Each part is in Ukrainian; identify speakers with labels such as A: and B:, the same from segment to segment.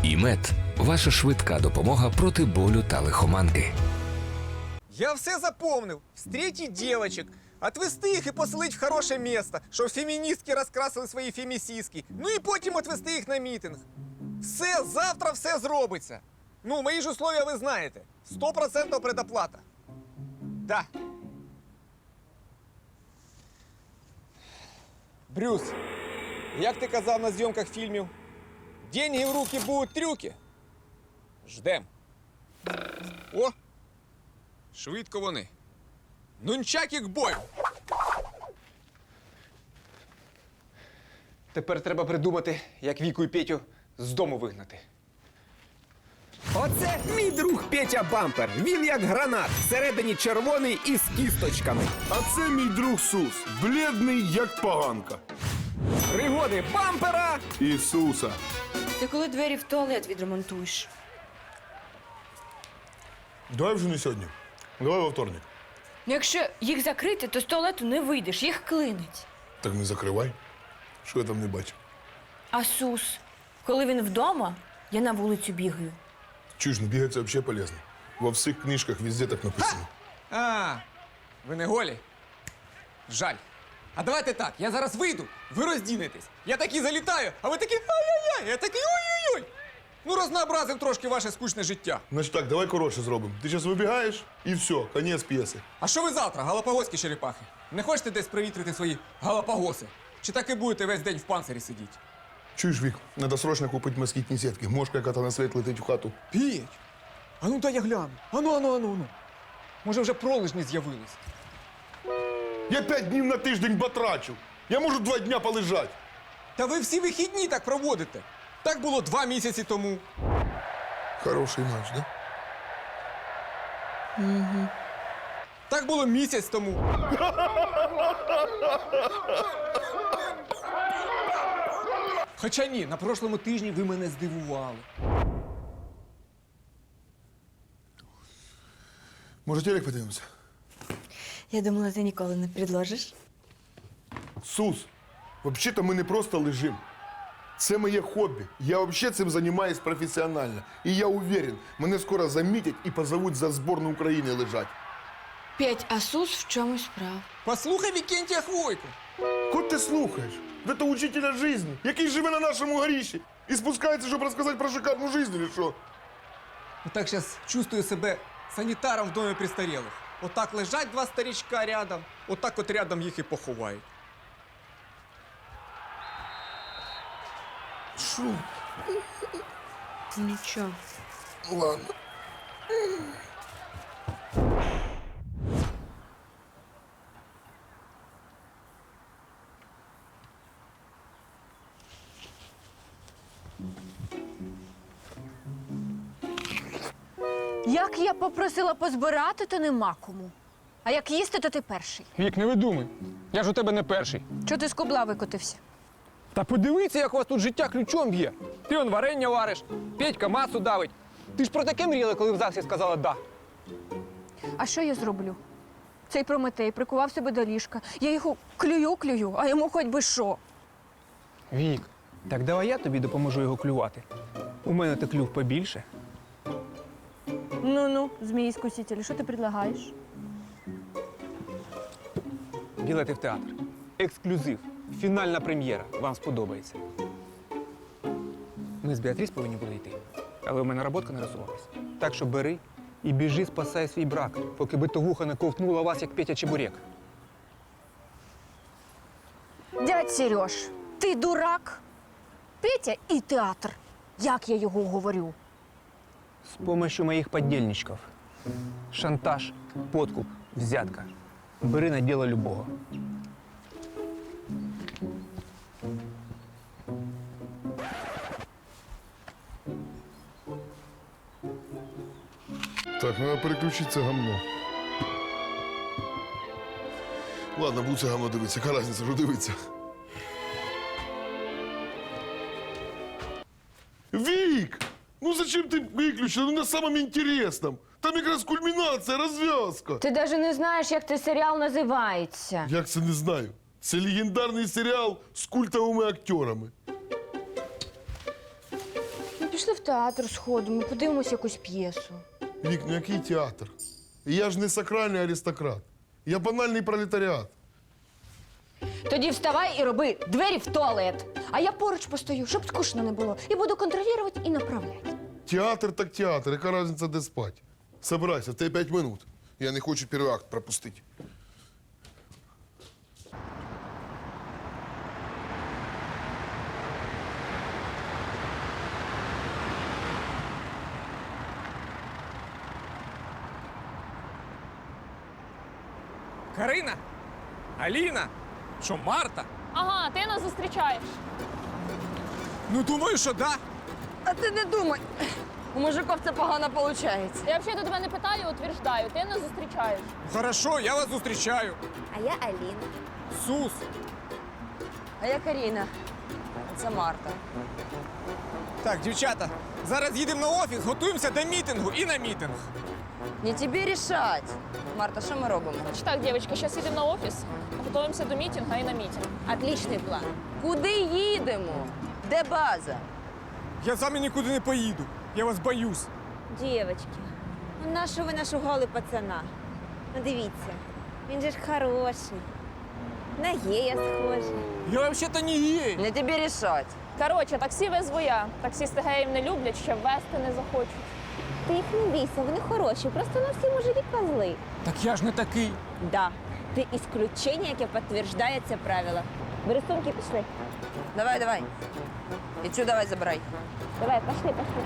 A: ІМЕД – ваша швидка допомога проти болю та лихоманки.
B: Я все запомнив. Встретить девочек, отвести їх і поселить в хороше місто, щоб феміністки розкрасили свої фемісіски. Ну і потім отвести їх на мітинг. Все, завтра все зробиться. Ну, мої ж условия ви знаєте. 100% предоплата. Да. Брюс, як ти казав на зйомках фільмів, деньги в руки будуть трюки. Ждем. О! Швидко вони. Нунчаки к бою!
C: Тепер треба придумати, як Віку і Петю з дому вигнати.
D: Оце мій друг Петя Бампер. Він як гранат, всередині червоний і з кісточками.
E: А це мій друг Сус, блідний, як поганка.
D: Пригоди бампера!
E: Ісуса.
F: Ти коли двері в туалет відремонтуєш?
E: Давай вже не сьогодні. Давай во вторник.
F: Якщо їх закрити, то з туалету не вийдеш, їх клинить.
E: Так не закривай. Що я там не бачу?
F: А Сус, коли він вдома, я на вулицю бігаю.
E: Чуєш, ну бігати це взагалі полезно. Во всіх книжках везде так написано.
B: А, ви не голі? Жаль. А давайте так, я зараз вийду, ви роздінетесь. Я такий залітаю, а ви такі ай-яй-яй, я такий ой-ой-ой. Ну, рознообразив трошки ваше скучне життя.
E: Значить так, давай коротше зробимо. Ти зараз вибігаєш і все, конець п'єси.
B: А що ви завтра, галапагоські черепахи? Не хочете десь привітрити свої галапагоси? Чи так і будете весь день в панцирі сидіти?
E: Чуєш, Вік, треба срочно купити москітні сітки. Мошка яка-то на світ летить в хату.
B: Петь, а ну дай я гляну. Ану. Може вже пролежні з'явились?
E: Я 5 днів на тиждень батрачу. Я можу 2 дня полежати.
B: Та ви всі вихідні так проводите. Так було 2 місяці тому.
E: Хороший наш, да?
B: Так було місяць тому. Хоча ні, на прошлому тижні ви мене здивували.
E: Може, телек подивимося?
F: Я думала, ти ніколи не предложиш.
E: Сус, взагалі-то ми не просто лежимо. Це моє хобі. Я взагалі цим займаюся професіонально. І я уверен, мене скоро замітять і позовуть за збірну України лежать.
F: Петь, а Сус в чомусь прав.
B: Послухай Вікентія Хвойку.
E: Кого ти слухаєш? Це учителя життя, який живе на нашому горіші і спускається, щоб розказати про шикарну життя, чи що?
B: Так зараз чувствую себе санітаром в домі престарілих. Отак лежать 2 старичка рядом, отак от рядом їх і поховають.
E: Що?
F: Нічого.
E: Ладно.
G: Як я попросила позбирати, то нема кому. А як їсти, то ти перший.
C: Вік, не видумай. Я ж у тебе не перший.
G: Чого ти з кубла викотився?
C: Та подивіться, як у вас тут життя ключом б'є. Ти он варення вариш, Петька масу давить. Ти ж про таке мріяла, коли в ЗАГСі сказала «да».
G: А що я зроблю? Цей Прометей прикував себе до ліжка. Я його клюю, а йому хоч би що.
C: Вік, так давай я тобі допоможу його клювати. У мене то клюв побільше.
G: Ну-ну, змії-скусителі, що ти предлагаєш?
C: Білети в театр. Ексклюзив. Фінальна прем'єра. Вам сподобається. Ми з Біатріс повинні були йти. Але у мене роботка не розсувалась. Так що бери і біжи, спасай свій брак, поки битовуха не ковтнула вас, як Петя Чебурек.
G: Дядь Сереж, ти дурак? Петя і театр. Як я його говорю?
C: С помощью моих подельничков. Шантаж, подкуп, взятка. Бери на дело любого.
E: Так, треба переключити це гамно. Ладно, буду це гамно дивитися. Яка різниця, що дивитися? Вік! Ну зачем ти виключила? Ну на самому інтересному. Там якраз кульмінація, розв'язка.
G: Ти навіть не знаєш, як цей серіал називається.
E: Як це не знаю? Це легендарний серіал з культовими актерами.
G: пішли в театр сходимо, подивимось якусь п'єсу.
E: Вік, ну який театр? Я ж не сакральний аристократ. Я банальний пролетаріат.
G: Тоді вставай і роби двері в туалет. А я поруч постою, щоб скучно не було. І буду контролювати і направляти.
E: Театр так театр, яка різниця, де спать? Собирайся, в тебе 5 минут. Я не хочу перший акт пропустити.
B: Карина? Аліна? Що, Марта?
H: Ага, ти нас зустрічаєш.
B: Ну, думаю, що да.
F: А ти не думай. У мужиків це погано виходить.
H: Я взагалі до тебе не питаю, утверждаю. Ти нас зустрічаєш.
B: Хорошо, я вас зустрічаю.
F: А я Аліна.
B: Сус.
F: А я Каріна. Це Марта.
B: Так, дівчата, зараз їдемо на офіс, готуємося до мітингу і на мітинг.
F: Не тобі рішать. Марта, що ми робимо?
H: Значить так, дівчатки, зараз їдемо на офіс, готуємося до мітингу і на мітинг.
F: Отличний план. Куди їдемо? Де база?
B: Я з вами нікуди не поїду. Я вас боюсь.
I: Дівочки, ну нащо ви нашугали пацана? Ну дивіться, він же ж хороший. На гея схожий.
B: Я взагалі-то не гей.
F: Не тобі рішать.
H: Коротше, таксі везу я. Таксісти геїв не люблять, ще вести не захочуть.
I: Ти їх не бійся, вони хороші, просто на всі мужики козли.
B: Так я ж не такий.
I: Да, ти ісключення, яке підтверджує це правило. Бери сумки, пішли.
F: Давай, давай. І цю давай забирай.
I: Давай, пішли, пішли.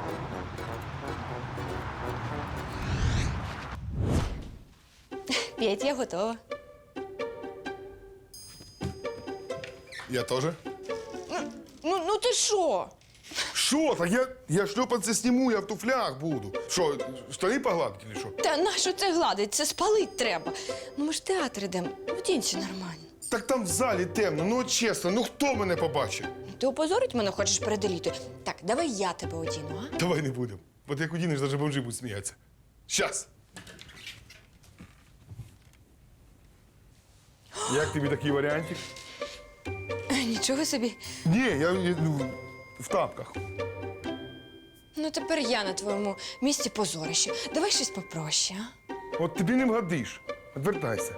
F: П'ять, я готова.
E: Я теж?
F: Ну ти що?
E: Що? Так я шльопанці зніму, я в туфлях буду. Що, штани погладити чи що?
J: Та нащо це гладить? Це спалить треба. Ну ми ж в театр йдемо. Вдінься нормально.
E: Так там в залі темно, ну от чесно, ну хто мене побачить?
J: Ти опозорить мене хочеш перед елітою? Так, давай я тебе одіну, а?
E: Давай не будемо. От як удінеш, навіть бомжі будуть сміятися. Щас. Як тобі такий варіантик?
J: Нічого собі.
E: Ні, я ну, в тапках.
J: Ну тепер я на твоєму місці позорище. Давай щось попроще, а?
E: От тобі не вгодиш. Відвертайся.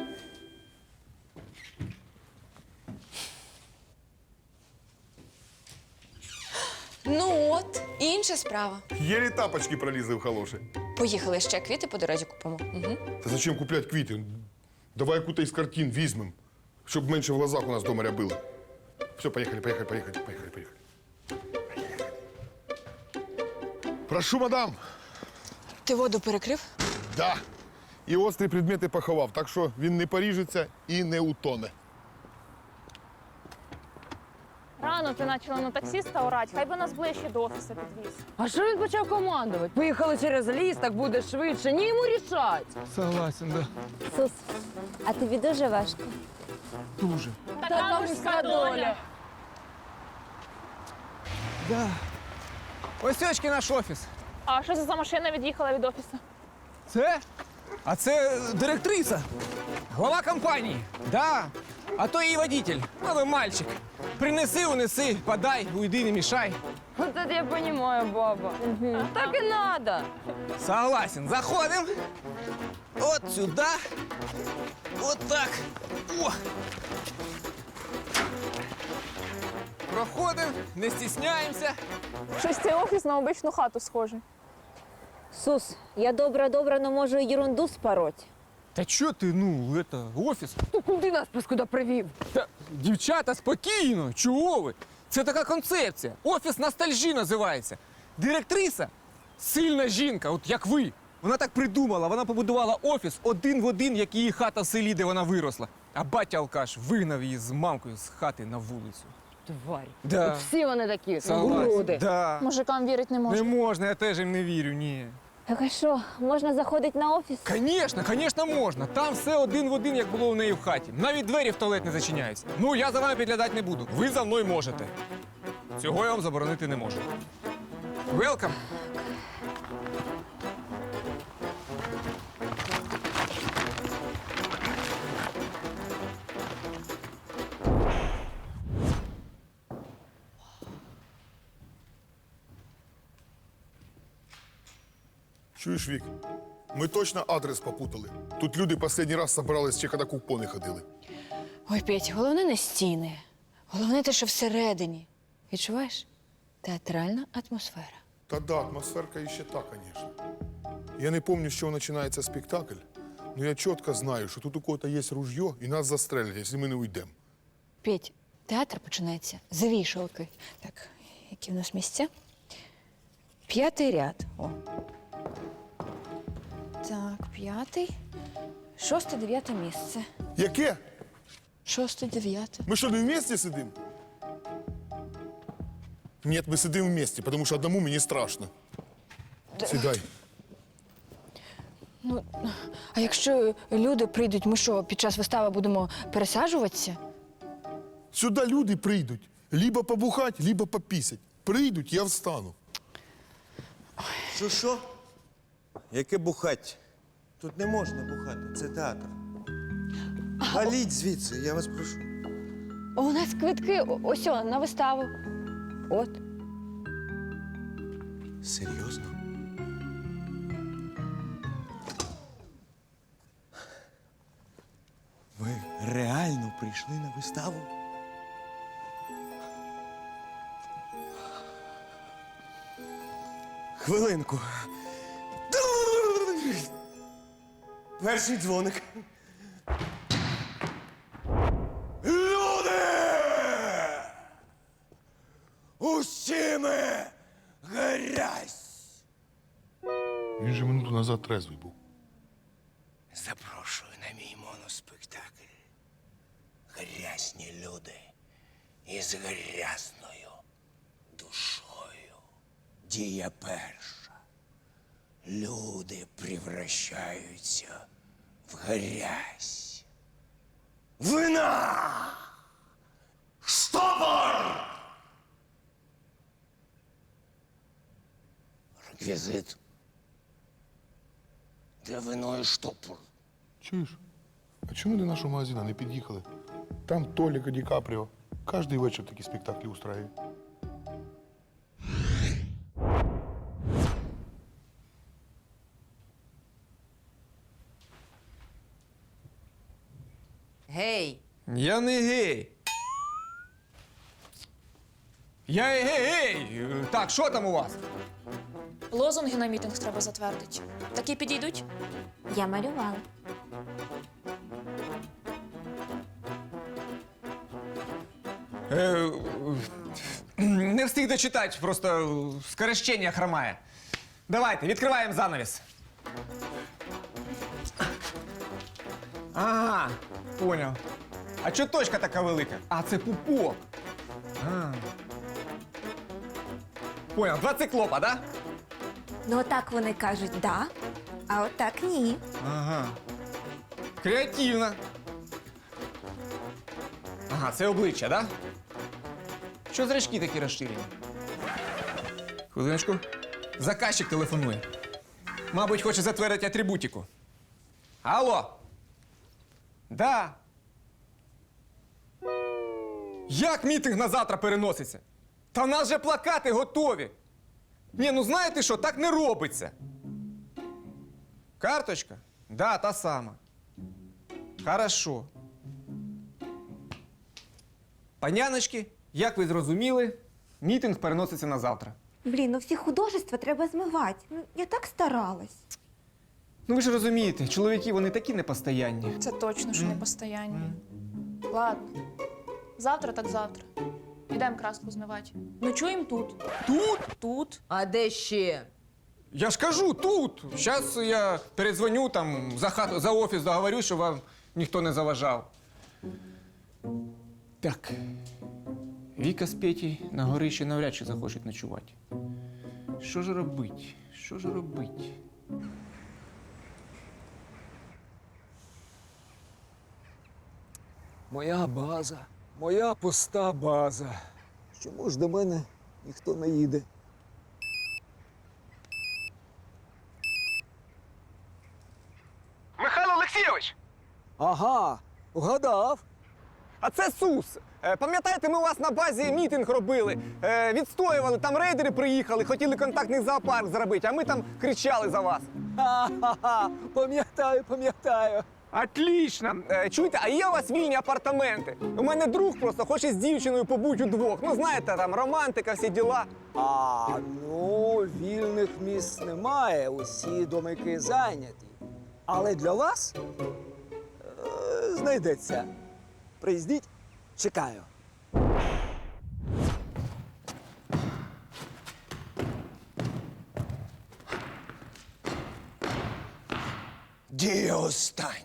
J: Ну от, інша справа.
E: Єлі тапочки пролізли в халоші.
J: Поїхали ще квіти по дорозі купимо. Угу.
E: Та зачем купляти квіти? Давай яку-то із картин візьмем, щоб менше в глазах у нас дома рябило. Все, поїхали. Прошу, мадам.
J: Ти воду перекрив?
E: Да. І острі предмети поховав, так що він не поріжеться і не утоне.
H: Рано ти почала на таксіста орати, хай би нас ближче до офісу підвіз.
F: А що він почав командувати? Поїхали через ліс, так буде швидше. Ні, йому рішать.
B: Согласен, да.
I: Сус, а тобі дуже важко.
B: Дуже.
H: Така мужська доля.
B: Да. Ось очки наш офіс.
H: А що це за машина від'їхала від офісу?
B: Це? А це директриса. Глава компанії. Да. А то її водитель. Новий мальчик. Принеси, унеси, подай, уйди, не мішай.
F: Вот это я понимаю, баба. Так і надо.
B: Согласен. Заходим. Вот сюда. Вот так. О. Проходим, не стісняємося.
H: Щось цей офіс на обичну хату схожий.
I: Сус, я добра, но можу і ерунду спороть.
B: Та чо ти, ну, это, офіс?
F: Ти куди нас паскуда привів?
B: Та, дівчата, спокійно, чого ви? Це така концепція. Офіс ностальжі називається. Директриса – сильна жінка, от як ви. Вона так придумала, вона побудувала офіс один в один, як її хата в селі, де вона виросла. А батя алкаш вигнав її з мамкою з хати на вулицю.
F: Тварь.
B: Да.
F: От всі вони такі.
B: Согласен.
F: Уроди.
B: Да.
H: Мужикам вірити не можна.
B: Не можна, я теж їм не вірю, ні.
I: Так а що, можна заходити на офіс?
B: Звісно, можна. Там все один в один, як було у неї в хаті. Навіть двері в туалет не зачиняються. Ну, я за вами підглядати не буду. Ви за мною можете. Цього я вам заборонити не можу. Welcome.
E: Чуєш, Вік? Ми точно адрес попутали. Тут люди останній раз собрались, ще коли купони ходили.
J: Ой, Петь, головне не стіни. Головне те, що всередині. Відчуваєш? Театральна атмосфера.
E: Та да, атмосферка іще та, звісно. Я не пам'ятаю, з чого починається спектакль, але я чітко знаю, що тут у кого-то є ружьо і нас застрелять, якщо ми не уйдемо.
J: Петь, театр починається з вішалки. Так, які в нас місця? 5-й ряд. О. Так, 5-й. 6-й, 9-те місце.
E: Яке?
J: 6-й, 9-те.
E: Ми що, не вместе сидимо? Ні, ми сидимо вместе, тому що одному мені страшно. Сідай.
J: Ну, а якщо люди прийдуть, ми що, під час вистави будемо пересаджуватися?
E: Сюди люди прийдуть. Либо побухать, либо попісять. Прийдуть, я встану.
K: Що? Яке бухать? Тут не можна бухати, це театр. Валіть звідси, я вас прошу.
J: У нас квитки ось на виставу. От.
K: Серйозно? Ви реально прийшли на виставу? Хвилинку. Перший дзвоник. Люди! Усі ми грязь!
E: Він же минуту назад трезвий був.
K: Запрошую на мій моноспектакль. Грязні люди із грязною душою. Дія перша. Люди превращаються в грязь. Вина! Штопор! Реквізит. Де вино і штопор?
E: Чуєш? А чому до нашого магазину не під'їхали? Там Толік і Ді Капріо. Кожний вечір такі спектаклі устраюють.
B: Гей! Я не гей. Я гей! Так, що там у вас?
H: Лозунги на мітинг треба затвердити. Такі підійдуть?
I: Я малювала.
B: Не встиг дочитати, просто скорочення хромає. Давайте, відкриваємо занавіс. Ага, поняв. А чого точка така велика? А, це пупок. А. Поняв, два циклопа, да?
I: Ну, отак вони кажуть да, а отак ні.
B: Ага. Креативно. Ага, це обличчя, да? Що зрачки такі розширені? Хвилиночку. Заказчик телефонує. Мабуть, хоче затвердити атрибутику. Алло? Да. Як мітинг на завтра переноситься? Та в нас же плакати готові. Ні, ну знаєте що, так не робиться. Карточка? Да, та сама. Хорошо. Паняночки, як ви зрозуміли, мітинг переноситься на завтра.
I: Блін, ну всі художества треба змивати. Ну, я так старалась.
B: Ну ви ж розумієте, чоловіки, вони такі непостоянні.
H: Це точно, що не постоянні. Ладно. Завтра так завтра. Ідемо краску змивати. Ночуємо тут.
B: Тут?
H: Тут.
F: А де ще?
B: Я ж кажу, тут. Зараз я передзвоню там за офіс, договорюсь, щоб вам ніхто не заважав. Так. Віка з Петей на горищі навряд чи захочуть ночувати. Що ж робить? Що ж робить?
L: Моя база, моя пуста база. Чому ж до мене ніхто не їде?
C: Михайло Олексійович!
L: Ага, вгадав.
B: А це СУС. Пам'ятаєте, ми у вас на базі мітинг робили, відстоювали, там рейдери приїхали, хотіли контактний зоопарк зробити, а ми там кричали за вас.
L: Ха-ха-ха! Пам'ятаю.
B: Отлично. Чуєте, а є у вас вільні апартаменти? У мене друг просто хоче з дівчиною побути удвох. Ну, знаєте, там романтика, всі діла.
L: Вільних місць немає, усі домики зайняті. Але для вас знайдеться. Приїздіть, чекаю.
K: Дія остання.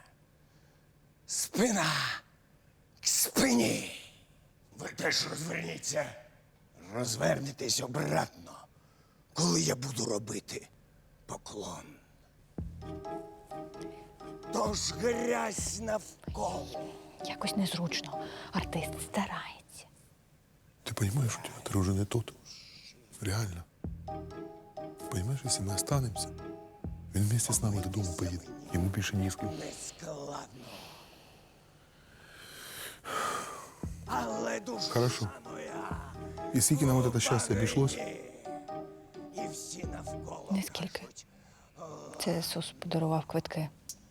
K: Спина к спині. Ви теж розверніться. Розвернетесь обратно, коли я буду робити поклон. Тож грязь навколо.
J: Якось незручно. Артист старається.
E: Ты понимаешь, у тебя ты уже не тот. Реально. Понимаешь, если мы останемся, он вместе с нами додому поедет. Ему більше ні з ким.
K: Нескладно. Але душа
E: Хорошо.
K: моя.
E: И скільки нам вот это счастье обошлось?
K: І всі навколо.
J: Нескільки. Це Сус подарував квитки.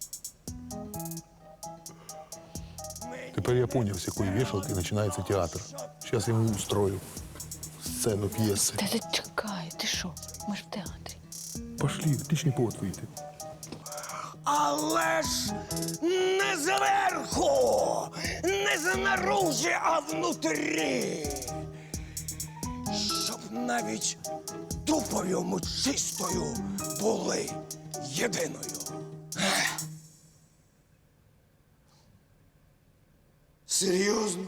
E: Теперь я понял, с какой вешалки начинается театр. Сейчас я ему устрою сцену пьесы.
J: Та зачекай, ти що? Ми ж в театрі.
E: Пошли, отличный повод выйти.
K: Але ж не зверху, не знаружі, а внутрі. Щоб навіть тупові чистою були єдиною. Серйозно?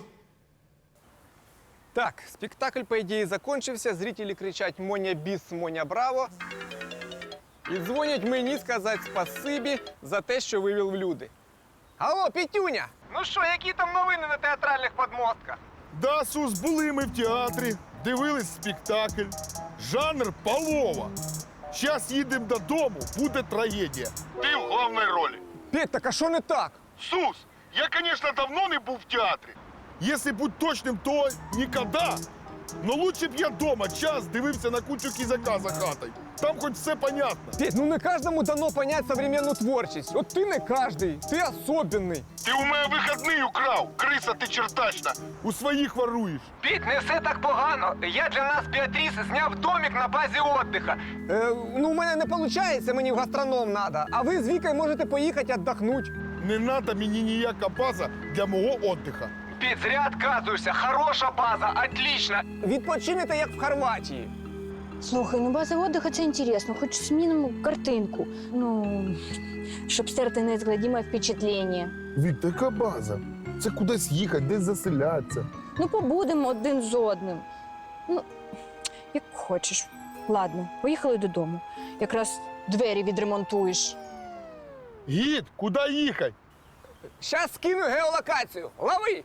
B: Так, спектакль, по ідеї, закончився. Зрителі кричать «Моня біс, Моня браво!» і дзвонять мені сказати спасибі за те, що вивів в люди. Алло, Петюня! Ну що, які там новини на театральних подмостках?
E: Да, Сус, були ми в театрі, дивились спектакль. Жанр полова. Зараз їдемо додому, буде трагедія. Ти в головній ролі.
B: Петь, так а що не так?
E: Сус, я, конечно, давно не був в театрі. Если бути точним, то ніколи. Но лучше б я дома час дивився на кучу кізака за хатою. Там хоч все понятно.
B: Петь, ну не кожному дано понять современну творчість. От ти не кожний, ти особенний.
E: Ти у мене вихідний украв, криса ти чертачна. У своїх воруєш.
B: Петь, не все так погано. Я для нас, Біатріс, зняв домик на базі отдиха. Ну, у мене не виходить, мені в гастроном треба. А ви з Вікою можете поїхати віддохнути.
E: Не надо мені ніяка база для мого отдиха.
B: Петь, зря отказуєшся. Хороша база, отлично. Відпочинете, як в Хорватії.
J: Слухай, ну база отдыха – це інтересно, хоч змінимо картинку. Ну, щоб стерти незгладіме впечатлення.
E: Вік, така база. Це кудись їхати, десь заселятися.
J: Ну, побудемо один з одним. Ну, як хочеш. Ладно, поїхали додому. Якраз двері відремонтуєш.
E: Гід, куди їхати?
B: Щас скину геолокацію. Лови!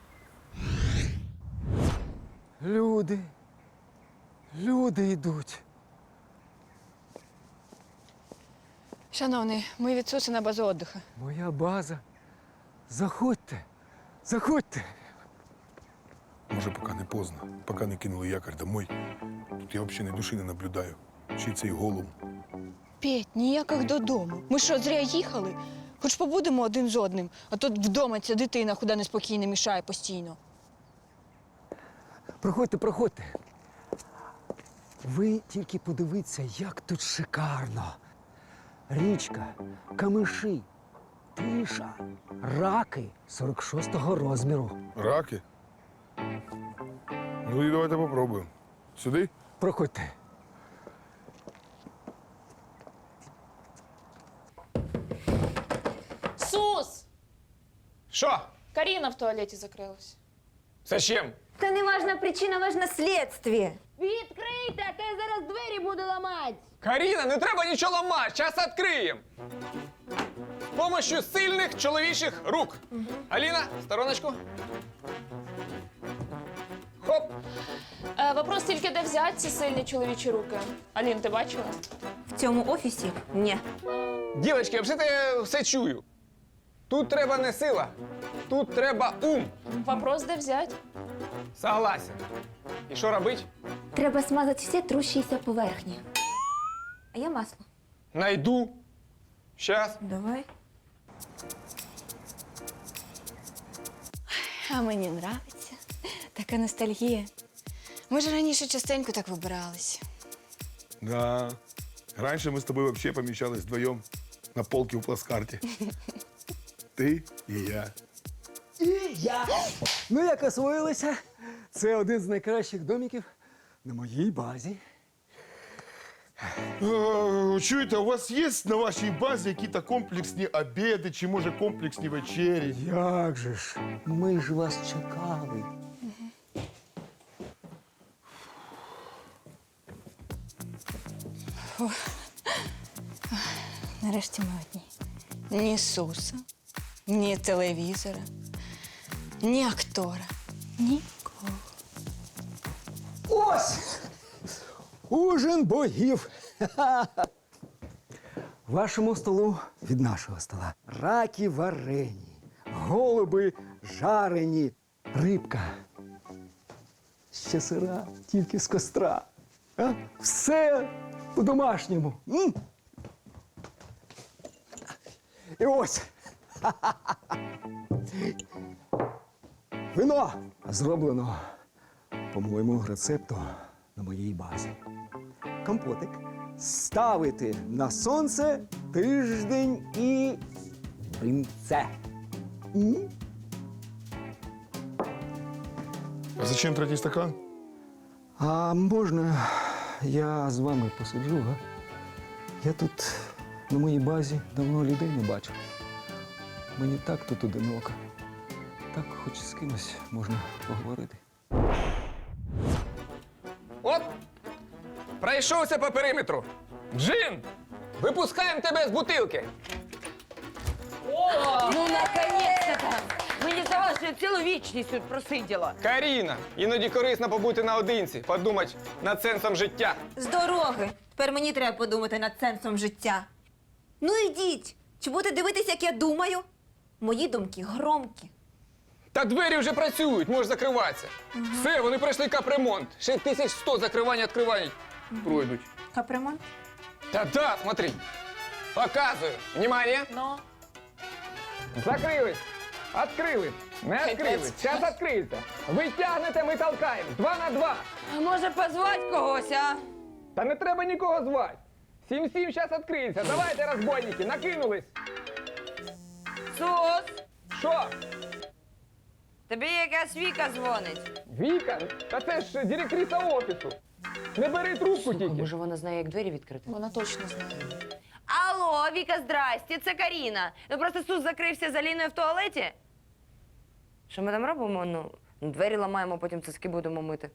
L: Люди йдуть.
J: Шановний, ми від Суси на базу отдыха.
L: Моя база. Заходьте.
E: Може, поки не поздно, поки не кинули якорь домой. Тут я взагалі ні душі не наблюдаю. Чи цей голуб.
J: Петь, ніяких додому. Ми що, зря їхали? Хоч побудемо один з одним, а тут вдома ця дитина куди неспокійно мішає постійно.
L: Проходьте. Ви тільки подивіться, як тут шикарно. Річка, камиші, тиша, раки 46-го розміру.
E: Раки? Ну і давайте попробуємо. Сюди?
L: Проходьте.
H: Сус!
B: Що?
H: Каріна в туалеті закрилась.
B: Зачем?
I: Та не важна причина, важна слідство.
F: Відкрийте, а то я зараз двері буду ламати.
B: Каріна, не треба нічого ламати, зараз відкриємо. З помощью сильних чоловічих рук. Аліна, в стороночку. Хоп.
H: Вопрос тільки, де взяти ці сильні чоловічі руки. Алін, ти бачила?
I: В цьому офісі? Ні.
B: Дівчатки, взагалі я все чую.
C: Тут треба не сила, тут треба ум.
H: Вопрос, де взять?
C: Согласен. І що робить?
I: Треба смазати всі трущіся поверхні. А я масло.
C: Найду. Щас.
I: Давай.
J: А мені нравиться. Така ностальгія. Ми ж раніше частенько так вибиралися.
E: Да. Раньше мы с тобой вообще помещались вдвоем на полке у плацкарте. Ты и я.
L: Ну, як освоїлися, це один з найкращих домиків на моїй базі.
E: Чуєте, у вас є на вашій базі якісь комплексні обіди чи, може, комплексні вечері?
L: Як же ж? Ми ж вас чекали.
J: Нарешті ми одні. Ні Суса, ні телевізора, ні актора, нікого.
L: Ось! Ужин богів! Вашому столу від нашого стола. Раки варені, голуби жарені, рибка. Ще сира, тільки з костра. А? Все по-домашньому. М? І ось. Вино зроблено по моєму рецепту на моїй базі. Компотик ставити на сонце тиждень і принце. М?
E: А зачем третій стакан?
L: А можна я з вами посиджу, га? Я тут на моїй базі давно людей не бачив. Мені так тут одиноко. Так хоч з кимось можна поговорити.
C: От, пройшовся по периметру. Джин, випускаємо тебе з бутилки.
F: Ну, наконец-то! Мені здавалося, що я цілу вічність тут просиділа.
C: Каріна, іноді корисно побути наодинці, подумати над сенсом життя.
I: З дороги. Тепер мені треба подумати над сенсом життя. Ну йдіть. Чи будете дивитися, як я думаю? Мої думки громкі.
C: Та двері вже працюють, можеш закриватися. Все, вони пройшли капремонт. Ще 1100 закривань-відкривань пройдуть.
I: Капремонт?
C: Та-да, смотри. Показую. Внимание.
H: Ну,
C: Закрились. Открили. Не відкрили. Зараз відкриється. Витягнете, ми толкаємо. 2 на 2.
F: А може позвати когось, а?
C: Та не треба нікого звати. 7-7 зараз відкриється. Давайте, розбойники, накинулись.
F: Сус,
C: Що?
F: тобі якась Віка дзвонить.
C: Віка? Та це ж директриса офісу. Не бери трубку тільки.
F: Може, вона знає, як двері відкрити?
H: вона точно знає.
F: Алло, Віка, здрасте, це Каріна. Ну просто Сус закрився з Аліною в туалеті. Що ми там робимо? Ну, двері ламаємо, потім цицьки будемо мити.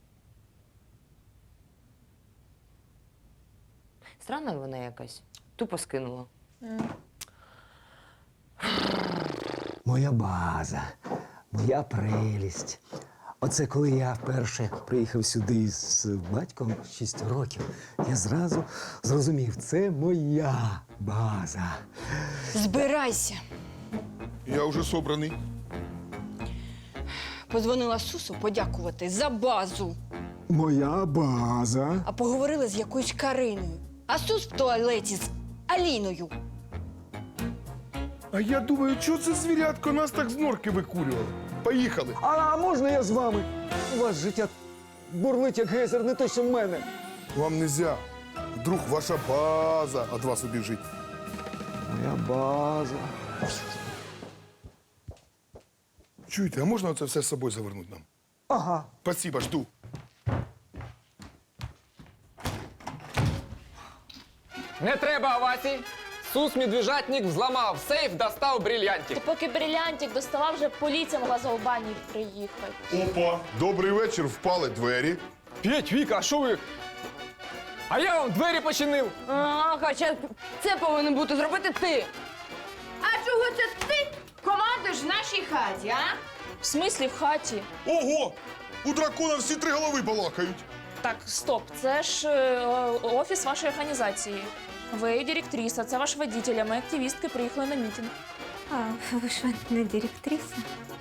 F: Странна вона якась. Тупо скинула.
L: Моя база, моя прелість. Оце коли я вперше приїхав сюди з батьком 6 років, я зразу зрозумів, це моя база.
J: Збирайся.
E: Я вже собраний.
J: Подзвонила Сусу подякувати за базу.
L: Моя база.
J: А поговорили з якоюсь Кариною. А Сус в туалеті з Аліною.
E: А я думаю, чого це звірятко нас так з норки викурювало? Поїхали.
L: А можна я з вами? У вас життя бурлить, як гейзер, не те, що в мене.
E: Вам нельзя. Вдруг ваша база від вас убіжить.
L: Моя база.
E: Чуєте, а можна це все з собою завернути нам?
L: Ага.
E: Спасибо, жду.
C: Не треба овацій. Сус медвежатник взламав сейф, достав брильянтик.
H: Ти поки брилянтик доставав, вже поліція могла за Албанії приїхати.
E: Опа, добрий вечір, впали двері.
C: П'ять, Віка, а що ви? А я вам двері починив.
F: А, хоча це повинен бути зробити ти. А чого це ти командуєш в нашій хаті, а?
H: В смислі в хаті?
E: Ого! У дракона всі 3 голови балакають.
H: Так, стоп, це ж офіс вашої організації. Ви директриса, це ваш водитель, а ми активістки приїхали на мітинг.
I: А ви що, не директриса?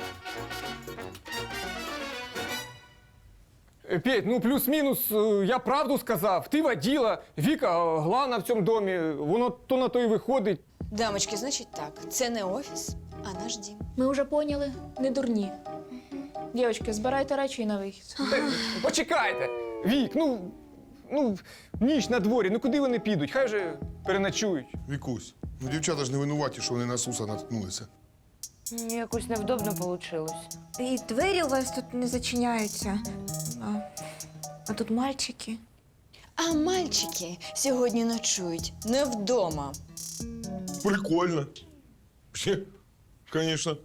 C: Петь, ну плюс-мінус, я правду сказав. Ти воділа, Віка главна в цьому домі, воно то на то й виходить.
J: Дамочки, значить так, це не офіс, а наш дім.
H: Ми вже поняли, не дурні. Дівчатки, збирайте речі і на вихід.
C: Почекайте! Вік, ну, ніч на дворі, ну куди вони підуть? Хай вже переночують.
E: Вікусь, ну дівчата ж не винуваті, що вони на Суса наткнулися.
F: Якось невдобно вийшло.
I: І двері у вас тут не зачиняються. А тут мальчики.
J: А мальчики сьогодні ночують не вдома.
E: Прикольно. Вообще, конечно.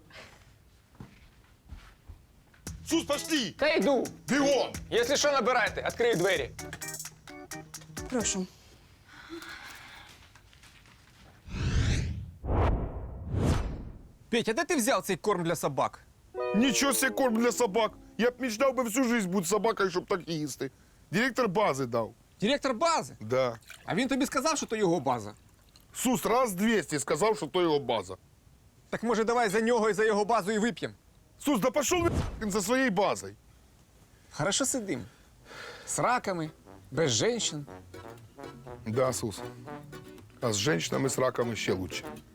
E: Сус, пошли!
C: Та йду.
E: Бегом!
C: Якщо що, набирайте, відкрию двері.
J: Прошу.
B: Петя, де ти взяв цей корм для собак?
E: Нічого себе корм для собак. Я б мечтав би всю жизнь бути собакою, щоб так їсти. Директор бази дав.
B: Директор бази?
E: Да.
B: А він тобі сказав, що то його база.
E: Сус раз 200 сказав, що то його база.
B: Так може давай за нього і за його базу і вип'ємо?
E: Сус, да пошел він за своєю базою.
B: Хорошо сидим. З раками, без женщин.
E: Да, Сус. А з жінками з раками ще лучше.